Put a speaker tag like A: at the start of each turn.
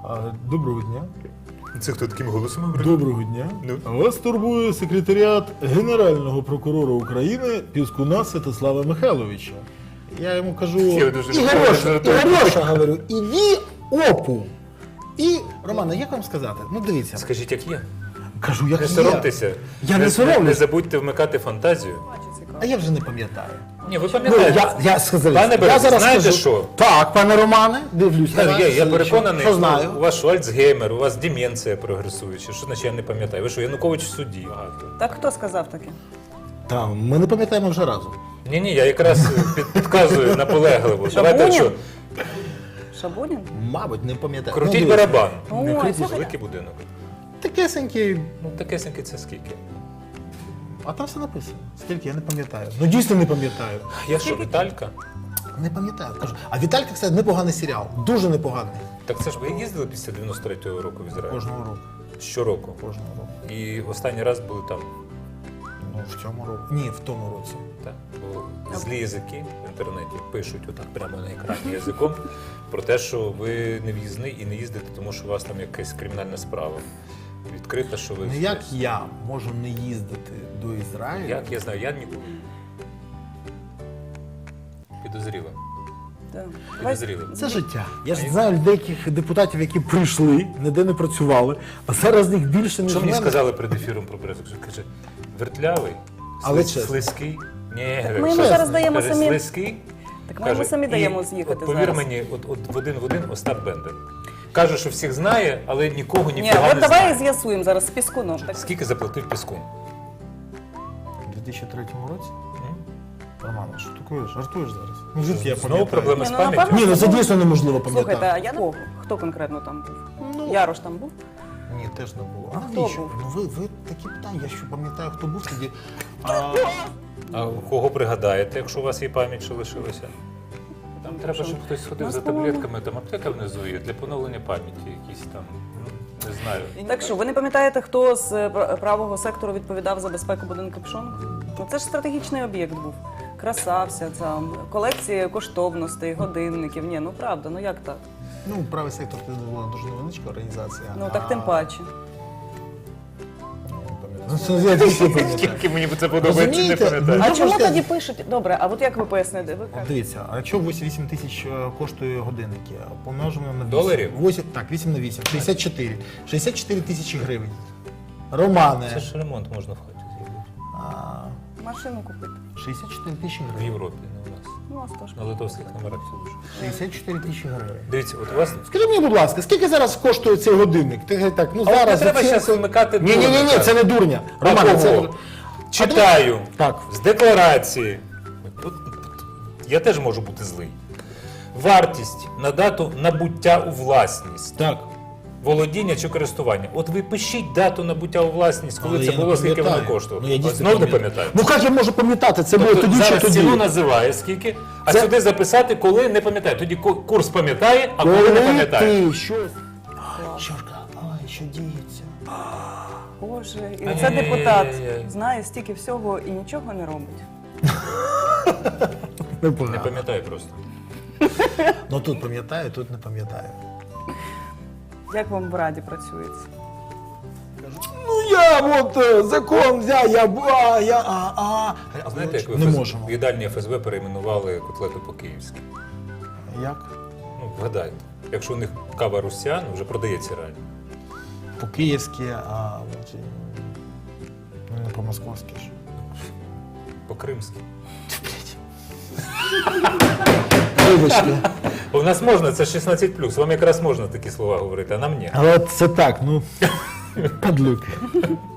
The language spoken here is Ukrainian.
A: Доброго дня.
B: Це хто таким голосом говорить?
A: Доброго дня.
B: Ну?
A: Вас турбує секретаріат Генерального прокурора України Піскуна Святослава Михайловича. Я йому кажу,
B: Я дуже
A: Ігорьоша, говорю, іди опу. І, Романе, як вам сказати? Ну, дивіться.
B: Скажіть, як є.
A: Кажу, як
B: Не
A: є.
B: соромтеся.
A: Я не
B: Не
A: соромлюсь.
B: забудьте вмикати фантазію.
A: А я вже не пам'ятаю.
B: Ні, ви
A: Ну,
B: пам'ятаєте.
A: я сказав,
B: Пане
A: я
B: Березі,
A: зараз
B: знаєте
A: скажу.
B: що?
A: Так, пане Романе, дивлюсь. на вас.
B: Я переконаний,
A: що знаю.
B: у вас що, Альцгеймер, у вас деменція прогресуюча. Що значить я не пам'ятаю? Ви що, Янукович в суді?
C: Так хто сказав таке?
A: Так, ми не пам'ятаємо вже разом.
B: Ні, я якраз підказую наполегливо. Давайте що,
C: Шабунін?
A: Мабуть, не пам'ятаю.
B: крутіть
A: Ну, дивіться.
B: барабан.
C: Ой,
B: Не крутіть,
C: слухайте.
B: великий будинок.
A: Такесенький,
B: Ну, такесенький це скільки?
A: а там все написано. Скільки, я не пам'ятаю. Ну, дійсно не пам'ятаю.
B: Я що, Віталька?
A: Не пам'ятаю. Кажу. А Віталька, кстати, непоганий серіал. Дуже непоганий.
B: Так це ж ви їздили після 93-го року в Ізраїль?
A: Кожного року.
B: Щороку.
A: Кожного року.
B: І останній раз були там.
A: Ну, в цьому році. Ні, в тому році.
B: Так, бо злі язики в інтернеті пишуть отак прямо на екрані язиком про те, що ви не в'їзний і не їздите, тому що у вас там якась кримінальна справа відкрита, що ви...
A: Ну, як я можу не їздити до Ізраїлю?
B: Як? Я знаю, я ніколи. Підозріло.
C: Так.
B: Підозріло.
A: Це життя. Я ж знаю деяких депутатів, які прийшли, ніде не працювали, а зараз їх більше, ніж
B: Що мені
A: мене.
B: сказали перед ефіром про пресу? Каже, вертлявий,
A: Але чесно.
B: слизький. Ні,
C: Ми йому
B: чесно.
C: зараз даємо
B: Каже,
C: самі-
B: слизький.
C: Так ми йому самі
B: і
C: даємо з'їхати
B: от, повір
C: зараз.
B: мені, от в один в один Остап Бендер. Каже, що всіх знає, але нікого
C: Ні,
B: ніфіга
C: от
B: не
C: давай
B: знає.
C: з'ясуємо зараз з Піскуном. Так.
B: Скільки заплатив Піскун?
A: У 2003 році? Роман, що таке? Жартуєш зараз? Ну, звідки я
B: Знову
A: пам'ятаю?
B: проблеми з
C: Ні, ну,
B: пам'яттю?
C: напевно,
A: Ні, ну це дійсно неможливо пам'ятати.
C: Слухайте, а я кого? Хто конкретно там був?
A: Ну,
C: Ярош там був?
A: Ні, теж не було.
C: А
A: А
C: хто
A: навіщо?
C: був?
A: Ну ви такі питання, я що пам'ятаю, хто був тоді.
B: А кого пригадаєте, якщо у вас є пам'ять, що лишилася? Там треба, щоб хтось сходив за таблетками, там аптека внизу є для поновлення пам'яті, якісь там, ну, не знаю.
C: Так що, ви не пам'ятаєте, хто з правого сектору відповідав за безпеку будинку Пшон? Ну це ж стратегічний об'єкт був. Красався, там, колекції коштовностей, годинників. Ні, ну правда, ну як так?
A: Ну, правий сектор це була дуже невеличка організація.
C: Ну так тим паче.
A: Ну, це я дійсно пам'ятаю.
B: Скільки мені це подобається, не
A: Розумієте?
B: пам'ятаю.
C: А
A: Ну,
C: чому
A: можете-
C: тоді пишуть? Добре, а от як ви поясните? Ви
A: От
C: кажете,
A: дивіться, а якщо 8 тисяч коштує годинники, помножимо на 8.
B: Доларів?
A: 8, так, 8 на 8, 64. 64 тисячі гривень. Романе,
B: Це ж ремонт можна в хаті зробити.
A: а,
C: машину купити.
A: 64 тисячі
B: В
A: гривень.
B: Європі, не у нас.
C: Ну, а що ж.
B: На литовських номерах все дуже.
A: 64 тисячі гривень.
B: Дивіться, от у вас...
A: Скажи мені, будь ласка, скільки зараз коштує цей годинник? Ти так, ну
B: А от
A: зараз.
B: не треба
A: оцінку-
B: зараз вимикати
A: Ні,
B: дурника.
A: це не дурня.
B: А
A: Романе,
B: кого?
A: це.
B: Читаю
A: Так.
B: з декларації. Я теж можу бути злий. Вартість на дату набуття у власність.
A: Так.
B: Володіння чи користування. От ви пишіть дату набуття у власність, коли
A: Але
B: це
A: я не
B: було, скільки воно
A: пам'ятаю.
B: коштувало.
A: Ну, я
B: От
A: дійсно
B: знов не
A: пам'ятаю.
B: пам'ятаю.
A: Ну як я можу пам'ятати? Це було
B: Тобто
A: тоді чи
B: зараз
A: тоді?
B: ціну називає скільки, а
A: Це-
B: сюди записати, коли не пам'ятаю. Тоді курс пам'ятає, а коли не пам'ятає.
A: ти щось. Чорка, ой, що діється?
C: Боже, і
B: Ай-яй-яй-яй-яй.
C: це депутат знає стільки всього і нічого не робить.
B: Не
A: Непогано.
B: пам'ятаю просто.
A: Ну тут пам'ятаю, тут не пам'ятаю.
C: Як вам в Раді працюється?
A: Ну я от закон взяв,
B: Знаєте, як ви
A: не
B: в
A: можемо.
B: їдальні ФСБ перейменували котлету по-київськи?
A: Як?
B: Ну, вгадайте. Якщо у них кава русян, вже продається реально.
A: По-київськи, ну не по-московськи ж.
B: По-кримськи.
A: Вибачте.
B: У нас можна, це 16+, вам якраз можна такі слова говорити, а нам ні.
A: Але це так, ну, падлюки.